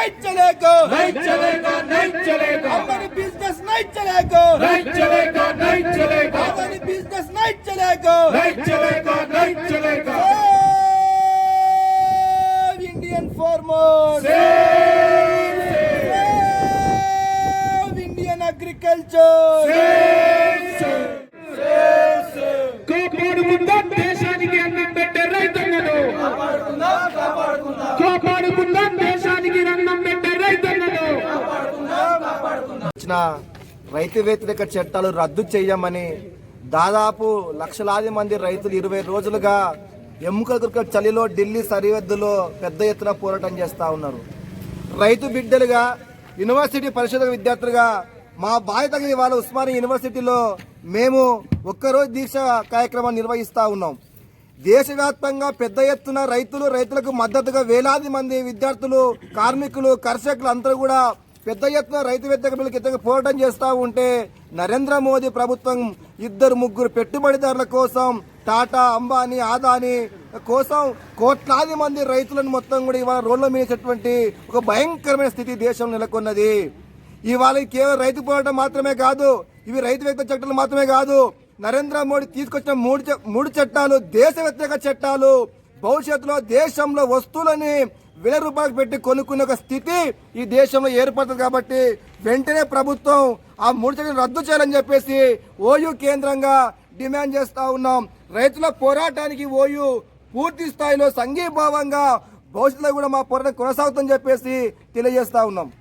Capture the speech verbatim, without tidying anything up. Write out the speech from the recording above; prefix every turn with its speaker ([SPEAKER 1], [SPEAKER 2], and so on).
[SPEAKER 1] नहीं चलेगा
[SPEAKER 2] नहीं चलेगा नहीं चलेगा
[SPEAKER 1] हमारी बिजनेस नहीं चलेगा
[SPEAKER 2] नहीं चलेगा नहीं चलेगा
[SPEAKER 1] हमारी बिजनेस नहीं चलेगा
[SPEAKER 2] नहीं चलेगा नहीं चलेगा
[SPEAKER 1] Save Indian farmers, save Indian agriculture,
[SPEAKER 2] కాపాడుకుందాం దేశానికి అన్నం పెట్టే రైతన్నను కాపాడుకుందాం దేశానికి అన్నం పెట్టే రైతన్నను
[SPEAKER 1] వచ్చిన రైతు వ్యతిరేక చట్టాలు రద్దు చేయమని దాదాపు లక్షలాది మంది రైతులు ఇరవై రోజులుగా ఎముకల కురుక చలిలో ఢిల్లీ సరిహద్దులో పెద్ద ఎత్తున పోరాటం చేస్తూ ఉన్నారు. రైతు బిడ్డలుగా యూనివర్సిటీ పరిశోధక విద్యార్థులుగా మా బాధ్యతగా ఇవాళ ఉస్మానియా యూనివర్సిటీలో మేము ఒక్కరోజు దీక్ష కార్యక్రమం నిర్వహిస్తూ ఉన్నాం. దేశవ్యాప్తంగా పెద్ద ఎత్తున రైతులు రైతులకు మద్దతుగా వేలాది మంది విద్యార్థులు కార్మికులు కర్షకులు అందరూ కూడా పెద్ద ఎత్తున రైతు వ్యతిరేక పోరాటం చేస్తూ ఉంటే నరేంద్ర మోదీ ప్రభుత్వం ఇద్దరు ముగ్గురు పెట్టుబడిదారుల కోసం టాటా అంబానీ ఆదానీ కోసం కోట్లాది మంది రైతులను మొత్తం కూడా ఇవాళ రోడ్ల మీసేటువంటి ఒక భయంకరమైన స్థితి దేశం నెలకొన్నది. ఇవాళ కేవలం రైతు పోరాటం మాత్రమే కాదు, ఇవి రైతు వ్యతిరేక చట్టాలు మాత్రమే కాదు, నరేంద్ర మోడీ తీసుకొచ్చిన మూడు మూడు చట్టాలు దేశ వ్యతిరేక చట్టాలు. భవిష్యత్తులో దేశంలో వస్తువులని వేల రూపాయలకు పెట్టి కొనుక్కునే ఒక స్థితి ఈ దేశంలో ఏర్పడుతుంది. కాబట్టి వెంటనే ప్రభుత్వం ఆ మూడు చట్టాలను రద్దు చేయాలని చెప్పేసి ఓయూ కేంద్రంగా డిమాండ్ చేస్తా ఉన్నాం. రైతుల పోరాటానికి ఓయూ పూర్తి స్థాయిలో సంఘీభావంగా భవిష్యత్తులో కూడా మా పోరాటం కొనసాగుతుందని చెప్పేసి తెలియజేస్తా ఉన్నాం.